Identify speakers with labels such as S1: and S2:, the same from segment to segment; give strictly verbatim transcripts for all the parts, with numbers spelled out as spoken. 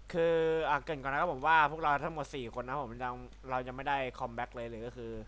S1: คืออ่ะเกรินก่อนนะครับผมว่าพวกเราทั้งหมดสี่คนนะผมยังเรายังไม่ได้คอมแบ็กเลยหรือก็คือ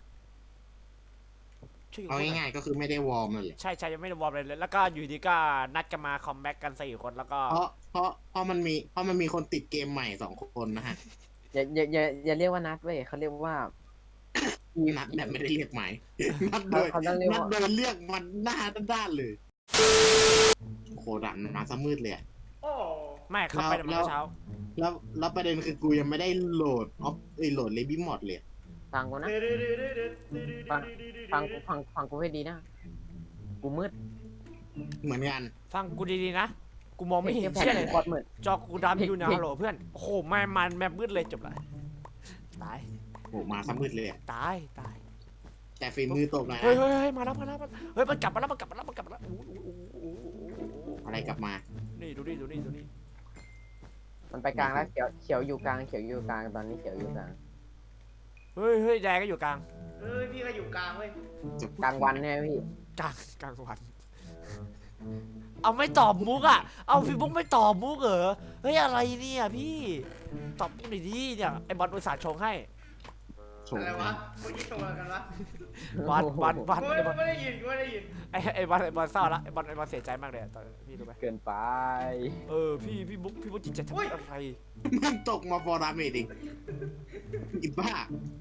S1: ชื่อ
S2: เอา
S1: พูดหน่อย
S2: ง่ายๆก็คือไม่ได้วอร์มเลยแหละ
S1: ใช่ใช่ยังไม่ได้วอร์มเลยแล้วก็อยู่ดีก็นัดกันมาคอมแบ็กกันสี่คนแล้วก็
S2: เพราะเพราะเพราะมันมีเพราะมันมีคนติดเกมใหม่สองคนนะฮะ
S3: อย่าอย่าอย่าอย่าเรียกว่านัดเว้ยเขาเรียกว่าอี
S2: นัดแบบไม่ได้เรียกหมายนัดโดย
S3: เขาเขาต้องเรียก
S2: นัด
S3: ว่า
S2: โดยเรียกมันหน้าด้านๆเลยโคดันมาซะมืดเลยอะ
S4: โอ้
S1: ไม่เข้าไปแต่เมื่อเช้า
S2: แล้วแล้วประเด็นคือกูยังไม่ได้โหลดออฟเอ้ยโหลดเลบี้มอดเลย
S3: ฟังกูนะ ฟังฟังกูฟังฟังกูให้ดีนะ กูมืด
S2: เหมือนกัน
S1: ฟังกูดีๆนะกูมองไม่เห็น
S3: แผ่
S1: เชี่ยเลย
S3: กดมืด
S1: จอกูดำอยู่นะฮัลโหลเพื่อนโอ้โหไม่มันแมปมืดเลยจบละตาย
S2: โหมาซะมืดเลยอะ
S1: ตายตาย
S2: แต่ฝีมือตกหน่อย
S1: เฮ้ย
S2: นะ
S1: เฮ้ยเฮ้ยมาแล้วมาแล้วมาแล้วเฮ้ยมันกลับมาแล้วมันกลับมาแล้วมันกลับมาแล้วอู้อู้อู้อู้อู้
S2: อะไรกลับมา
S1: นี่ดูนี่ดูนี่ดูนี่
S3: มันไปกลางแล้วเขียวเขียวอยู่กลางเขียวอยู่กลางตอนนี้เขียวอยู่กลาง
S1: เฮ้ยเฮ้ยแดงก็อยู่กลาง
S4: เอ้ยพี่ก็อยู่กลางเว้ย
S3: กลางวันเนี่ยพี่
S1: กลางกลางวัน เอาไม่ตอบมุกอ่ะ เอาพี่มุกไม่ตอบมุกเหรอ เฮ้ยอะไรเนี่ยพี่ ตอบมุกหน่อยดิเนี่ยไอบอลอุตส่าห์ชงให้
S2: โฉม
S4: อะไรวะเมื่อกี้โชว์อะไรกันวะ
S1: บอลบอลบอล
S4: กู
S1: ไอบอล
S4: ไม่ได้ยินกูไม่ได้ยิน
S1: ไอไอบอลไอบอลเศร้าละไอบอลไอบอลเสียใจมากเลยอะตอนพี่รู้ไหม
S3: เกินไป
S1: เออพี่พี่มุกพี่มุกจิตใจทำอะไร
S2: มันตกมาฟอร์ดาเมจอีกอีบ้า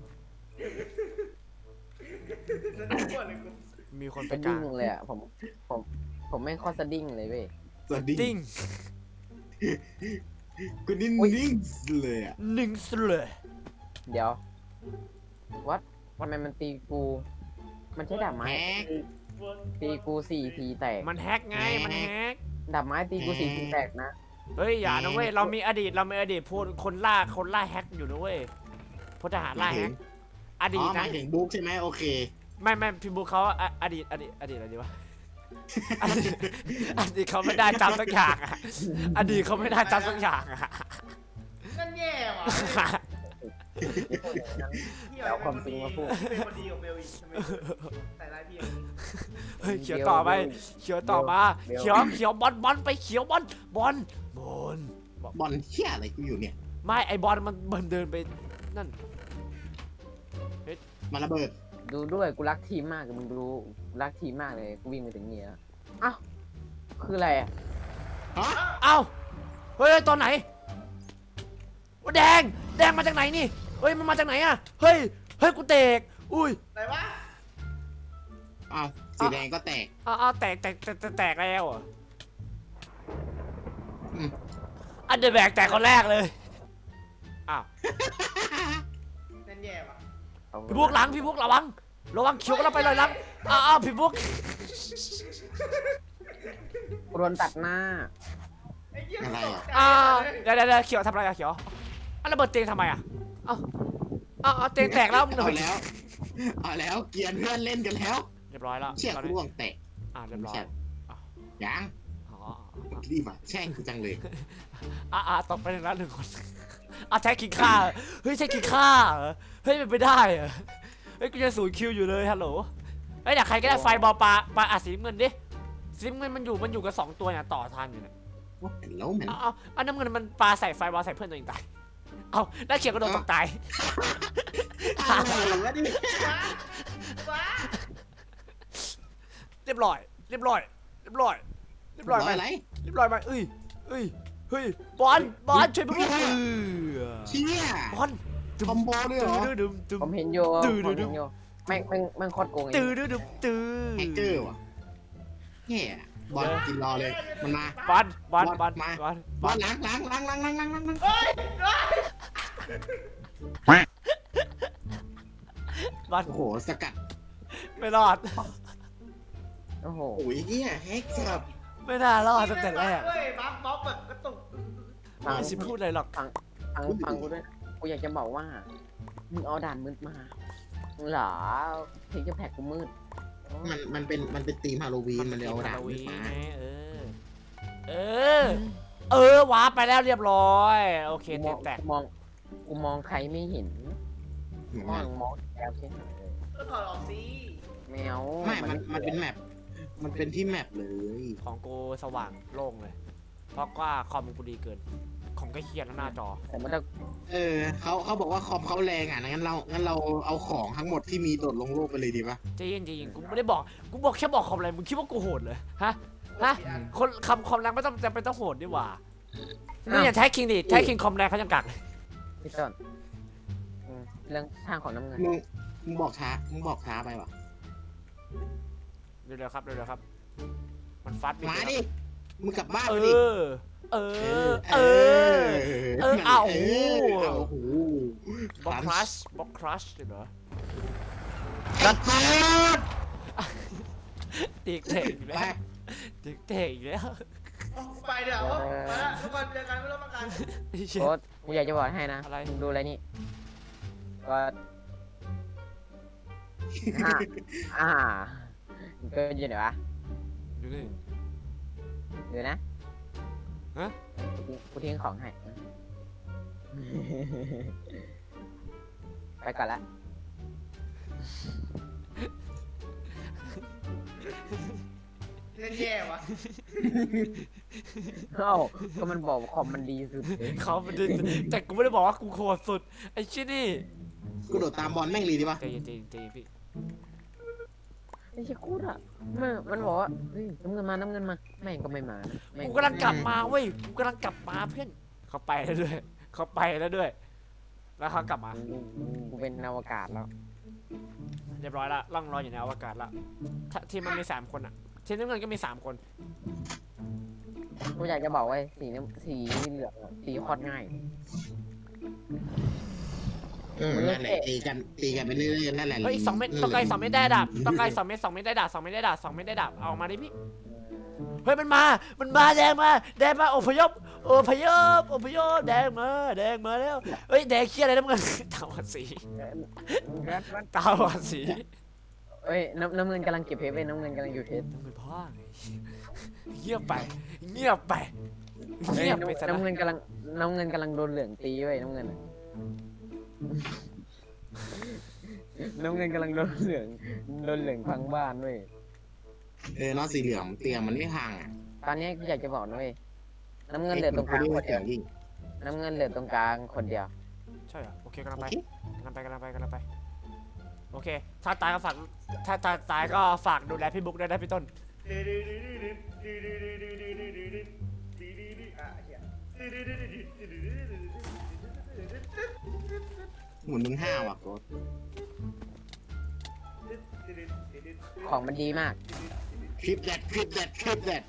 S4: สนุกกว่าเลยกู
S1: มีคนไป
S3: เป็น
S1: กลา
S3: ดิ้
S1: ง
S3: งเลยอ่ะผมผมผมไม่งข้อสะดิ้งเลยเว้ย
S2: สวัสดี
S1: ติ้ง
S2: กูนิ่งนิ่งเลยอ่ะ
S1: หนึ่งสเลย
S3: เดี๋ยววัดทำไมมันตีกู มันใช้ดาบไม้ตีตีกูสี่ทีแตก
S1: มันแฮกไงมันแฮก
S3: ดาบไม้ตีกูสี่ทีแตกนะ
S1: เฮ้ยอย่านะเว้ยเรามีอดีตเรามีอดีตพูดคนล่าคนล่าแฮกอยู่นะเว้ยพลทหารล่าแฮกอ
S2: อ๋
S1: ดี
S2: อ
S1: ต
S2: หมา
S1: นะ
S2: ยถึงบุ๊กใช่ไหมโอเค
S1: ไม่ไม่พี่บุ๊คเขาอะอดีตอดีตอดีตอะไรดีวะ อดีตอดีตเขาไม่ได้จำสักอย่างอะอดีตเขาไม่ได้จำสักอย่างอะ
S4: นั่นแย่ว่ะ
S3: แล้วความจริงมาพูด
S4: เป็นคนดีกับเบลอีกทำไมใส่ร้ายพี่อย่างนี้
S1: เฮ้ยเขียวต่อไปเขียวต่อมาเขียวเขียวบอลบอลไปเขียวบอลบอลบอล
S2: บอลเชี่ยอะไรกูอยู่เนี่ย
S1: ไม่ไอบอลมันมันเดินไปนั่น
S2: มาระเบิด
S3: ดูด้วยกูรักทีมมากมึงดูรักทีมมากเลยกูวิ่งไปถึงนี่แล้วอ้าวคืออะไรอะ
S2: ฮะ
S1: เอ้าเฮ้ยตอนไหนแดงแดงมาจากไหนนี่เฮ้ยมันมาจากไหนอะเฮ้ยเฮ้ยกูเตกอุ้ย
S4: ไหนวะ
S2: อ้าวสีแดงก็แตก
S1: อ้าวอ้าวแตกแตกแตกแตกแตกแล้วเหรอ
S2: อืม
S1: อันเดอร์แบกแตกคนแรกเลยอ้าว
S4: นั่นแย่ว่ะ
S3: เอา
S1: พี่พวกหลังพี่พวกระวังระวังเขียวก็เราไปเลยหลังอ้าวอ้าวพี่พวก
S3: กูโดนตัดหน้า
S4: ไอ้เหี้ย
S2: อะไรอ่ะ
S1: อ้าวเดี๋ยวเดี๋ยวเดี๋ยวเขียวทำอะไรอะเขียวอันระเบิดเตียงทำไมอะเอ้าเอ้าเอาเตียงแตกแล้วมึง
S2: เอาแล้วเอาแล้วเกียร์เพื่อนเล่นกันแล้ว
S1: เรียบร้อยแล้ว
S2: เชี่ย
S1: ตอน
S2: กู
S1: นี้
S2: ร่วงแตก
S1: อ่าเรียบร้อย
S2: ยัง
S1: อ๋อ
S2: รีบอ่ะแช่งกูจังเลย
S1: อ่าอ่าตกไปหนึ่งแล้วหนึ่งคนอ่ะแท็กกินข้าเฮ้ยแท็กกินข้าเหรอเฮ้ยเป็นไปได้เหรอเฮ้ยกูจะศูนย์คิวอยู่เลยฮัลโหลเฮ้ยเดี๋ยวใครก็ได้ไฟบอลปลาปลาอ่ะสีน้ำเงินดิสีน้ำเงินมันอยู่มันอยู่กับสองตัวเนี่ยต่อทันอยู่เนี่ย
S2: ว่าแล้วมัน
S1: เอาเอาอันน้ำเงินมันปลาใส่ไฟบอลใส่เพื่อนตัวเองตายเอาแล้วเขียวก็โดนตกตาย
S2: อะไรวะนี่
S4: ว้าว้า
S1: เรียบร้อยเรียบร้อยเรียบร้อยเรียบร้อยไหม
S2: อะไร
S1: เรียบร้อยไหมเอ้ยเอ้ยเฮ้ยบอลบอลช่วยเพื่อนเออ
S2: เชี่ย
S1: บอล
S2: คอมโบด้วยเหรอ
S1: ตื้อดึมตึม
S3: ผมเห็นอยู่
S1: ดื้อ
S3: ผม
S1: ดื้
S3: เห็
S1: อ
S3: นอยู่แม่งแม่งแม่งโคตรโกงไอ้
S1: ตื้อดื้อดึมตื้อ
S2: แฮกเกอร์ว่ะเฮียบอลกินรอเลยมันมา
S1: บอลบอลบอล
S2: มา
S1: บอล
S2: บอลล้างล้างล้างล้างล้างล้างล้างล้าง
S4: เฮ้ยเฮ้ย
S1: บอล
S2: โอ้โหสกัด
S1: ไม่รอด
S3: โอ้โห
S2: โอ้ยเฮียแฮกสับ
S1: ไม่น่ารอดตั้งแต่แรก
S4: เฮ้ยบัฟบัฟแบบกระตุก
S3: ฟัง
S1: ไม่สิพูดอะไรหรอก
S3: ฟังฟังกูด้วยนะกูอยากจะบอกว่ามึงเอาด่านมืดมาเหรอเพลงจะแพ็กกูมืด
S2: มันมันเป็นมันเป็นธีมฮาโลวีนมันเลยเอาดาบ
S1: ฮาโล
S2: ขึ้
S1: วี
S2: น
S1: น
S2: มา
S1: ไงเออเออเออว้าไปแล้วเรียบร้อยโอเค
S3: กูม
S1: เต็
S3: อง
S1: มแตก
S3: กูมองกูมองใครไม่เห็น
S2: เหมือน
S3: มอ
S2: กั
S3: ง
S2: น
S3: มองแล้วใช่ไหม
S4: ก็ถอดออกสิ
S3: แมว
S2: ไม่มันมันเป็นแมปมันเป็นที่แมปเลย
S1: ของกูสว่างโล่งเลย เพราะว่าคอมกูดีเกิน ของมก็เครียดแล้วหน้าจอ
S3: แต่มันจะ
S2: เออเขาเขาบอกว่าคอมเขาแรงอ่ะงั้นเรางั้นเราเอาของทั้งหมดที่มีโดดลงโลกไปเลยดีปะ
S1: ใจเย็นใจเย็นกูไม่ได้บอกกูบอกแค่บอกคอมอะไรมึงคิดว่ากูโหดเลยฮะฮะคนคำคอมแรงไม่ต้องจำเป็นต้องโหดดีกว่ามึงอย่าแท็กคิงดิแท็กคิงคอมแรงเขายังกักเลย
S3: พี่ต้นอืมเรื่องทางของน้ำเงิน
S2: มึงมึงบอกช้ามึงบอกช้าไปวะ
S1: เร็วๆครับเร็วๆครับมันฟัดไป
S2: มาดิมึงกลับบ้าน
S1: เอ
S2: ไปดิ
S1: อเออเออ เออเอา
S2: เออเอาโอ้โห
S1: บล็อกครัชบล็อกครัชเหรอ
S2: กัดมา
S1: ตีเตะอีก
S2: ไป
S1: แล้วตีเตะอีกแล้ว
S4: ไปเดี๋ยวมาละทุกคนเจอกันไม่ต้องมากัน
S1: ไอ้เชี่ย
S3: โอ๊ตกูอยากจะบอกให้นะ
S1: อะไร
S3: มึงดูอะไรนี่ก็อ่าอ่ามันก็อยู่ไหนวะ
S1: ดูนี่
S3: เดี๋ยวนะ
S1: ฮะ
S3: กูกูทิ้งของให้ ไปก่อนละ
S4: เล่นแย่วะ
S3: เอ้าก็มันบอกว่าคอมมันดีสุดเลย
S1: เขาไม่ได้แต่กูไม่ได้บอกว่ากูโคตรสุดไอ้ชินี่
S2: กูโดดตามบอลแม่งเลยดีปะ
S1: ใจเย็นใจเย็นใจเย็นพี่
S3: ไม่ใช่กูอะมันมันบอกว่าเฮ้ยน้ำเงินมาน้ำเงินมาแม่งก็ไม่มานะแม่ง
S1: กูกำลังกลับมาเว้ยกูกำลังกลับมาเพื่อนเขาไปแล้วด้วยเขาไปแล้วด้วย แล้วเขากลับมา
S3: กูกูเป็นอวกาศแล้ว
S1: เรียบร้อยละล่องลอยอยู่ในอวกาศละถ้าทีมมันมีสามคนอะทีมน้ำเงินก็มีสามคน
S3: กูอยากจะบอกว่าสีน้ำสีเหลืองอะสีโคตรง่าย
S2: อืมนั่นแหละตีกันตีกันไปเรื่อยๆนั่นแหละ
S1: เฮ้ยอีกสองเม็ดต้องไกลสองเม็ดได้ดาบต้องไกลสองเม็ดสองเม็ดได้ดาบสองเม็ดได้ดาบสองเม็ดได้ดาบเอามาดิพี่เฮ้ยมันมา มันมาแดงมาแดงมาอพยพอพยพอพยพแดงมาแดงมาแล้วเฮ้ยแดงเคี้ยอะไรน้ำเงิน ตาหวานสีตาหวานสี
S3: เอ้ยน้ำน้ำเงินกำลังเก็บเพชรเว้ยน้ำเงินกำลังอยู่เพชร
S1: น้ำเงินพ่อไงเงียบไปเงียบไป
S3: เฮ้ย
S1: เงียบไปซะ
S3: น้ำ
S1: นะ
S3: น้ำเงินกำลังน้ำเงินกำลังโดนเหลืองตีเว้ยน้ำเงินอะน้ำเงินกำลังโดนเหลืองโดนเหลืองพังบ้านเว้ย
S2: เออน้องสีเหลืองเตียงมันไม่พังอ่ะ
S3: ตอนนี้กูอยากจะบอกนะเว้ยน้ำเงินเหลือตรงกลางคนเดียว
S2: ยิ่ง
S3: น้ำเงินเหลือตรงกลางคนเดียว
S1: ใช่เหรอโอเคกำลัง
S2: โอ
S1: ไป
S2: เค
S1: กำลังไปกำลังไปกำลังไปโอเคถ้าตายก็ฝากถ้าตายตายก็ฝากดูแลพี่บุ๊กด้วยนะพี่ต้น
S2: หมุนมึงห้าว่ะโค้ด
S3: ของมันดีมาก
S2: คลิปแดดคลิปแดดคลิปแดด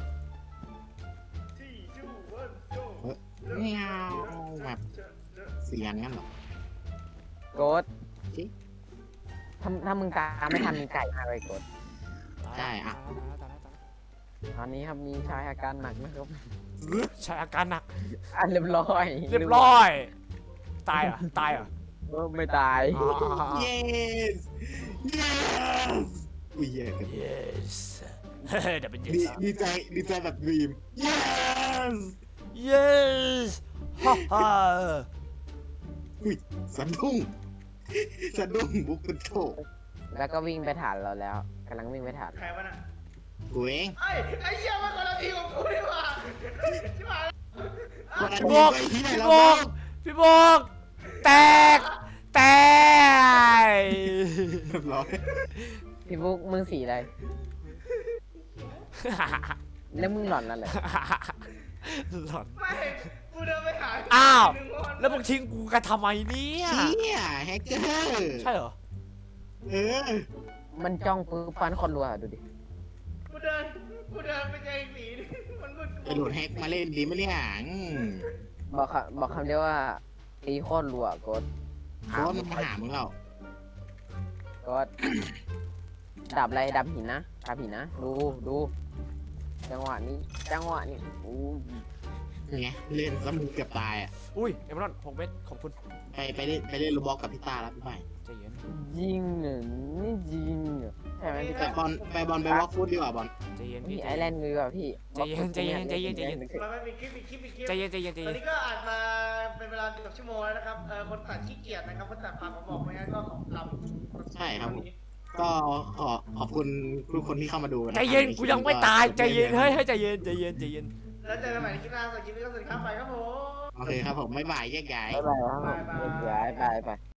S2: ไม่เอาแบบเสียงงั้นเหรอ
S3: โกดถ้าถ้ามึงตามไม่ทันมึงไก่มากเลยโกด
S2: ใช่อ่ะ
S1: ตายแล้วตายแล้วตายแล้ว
S3: ตอนนี้ครับมีชายอาการหนักนะครับ
S1: ใช่อาการหนัก
S3: อ่ะเรียบร้อย
S1: เรียบร้อย ตายเหรอตายเหรอ
S3: เออไม่ตาย
S1: อ๋ออ๋ออ๋อ
S2: yes yes อุ้ยแย่กัน
S1: yes เฮ้ยเดี๋ยวเป็น
S2: ดี
S1: yes
S2: ดีใจดีใจแบบดีม yes
S1: yes ฮ่าฮ่า
S2: อุ้ยสะดุ้งสะดุ้งบุกเป็นโถ
S3: แล้วก็วิ่งไปฐานเราแล้วกำลังวิ่งไปฐาน
S4: ใครวะน่ะ
S2: กูเอง
S4: ไอ้ไอ้เหี้ยมันคนละทีของกูนี่หว่าใช่ไหม
S2: วันนั้น
S1: พี่บอก
S2: ไปที่ไหน
S1: พี่
S2: แล้ว
S1: บอ
S2: บ้าก
S1: พี่บอกแตกแตก
S2: เรียบร้อย
S3: พี่บุ๊กมึงสีอะไรแล้วมึงหล่อนแล้วเหรอ
S1: หลอน
S4: ไม่กูเดินไปหา
S1: อ้าว
S4: หนึ่งคน
S1: แล้วมึงทิ้งกูกันทำไมเนี่ย
S2: เชี่ยแฮกเกอร์
S1: ใช่เหรอ
S2: เออ
S3: มันจ้องปื้ฟันคนรัวดูดิ
S4: กูเดินกูเดินไปเจอไอ้สีนี่มันมึน
S2: ไปโหลดแฮกมาเล่นดีไหมเนี่ยอืม
S3: บอกคำบอกคำเดียวว่าตีโคตรรัวโกด
S2: เพราะว่ามันมาหามึงเรา
S3: โกดดับอะไรดับหินนะดับหินนะดูดูจังหวะนี้จังหวะนี้อู้
S2: ไงเล่นแล้วมึงเกือบตายอ่ะ
S1: อุ้ยเอมรอนหกเม็ดขอบคุณ
S2: ไปไปเล่นไปเล่นโรบอกกับพี่ตาแล้วพี่ใหม่
S1: ใจเย็น
S3: ยิงหนึ่งนี่ยิงเหรอใช่ไหมพี่
S2: ไป
S3: แจ๊
S2: บอลไปบอลไปวอล์กฟุตดีกว่าบอล
S1: ใจเย็น
S3: พี่
S1: พี่
S3: ไอแลนด์มือแบบพี่
S1: ใจเย็นใจเย็นใจเย็นใจเย็น
S4: มันไม่มีคลิปมีคลิปมีคลิป
S1: ใจเย็นใจเย็นใจ
S4: ตอ
S1: เย็
S4: น
S1: น
S4: นี้ก็อ่านมาเป็นเวลาเกือบชั่วโมงแล้วนะครับ เออคนตัดขี้เกียจนะครับ คนตัดฟังผมบอกไม่งั้นก็ขอลำ
S2: ใช่ครับผมก็ขอขอบคุณทุกคนที่เข้ามาดูะครับ
S1: ใจเย็นกูยังไม่ตายใจเย็นเฮ้ยเฮ้ยใจเย็นใจเย็นใจเย็น
S4: แล้วเจอกันใหม่ในคลิปหน้าสำหรับคลิปนี้ก็สวัสดีครับไปครับผม
S2: โอเคครับผมไม่บ่ายแยกย้าย
S3: บ๊ายบายครับผม
S4: บ๊ายบาย
S3: บ๊ายบายบายบาย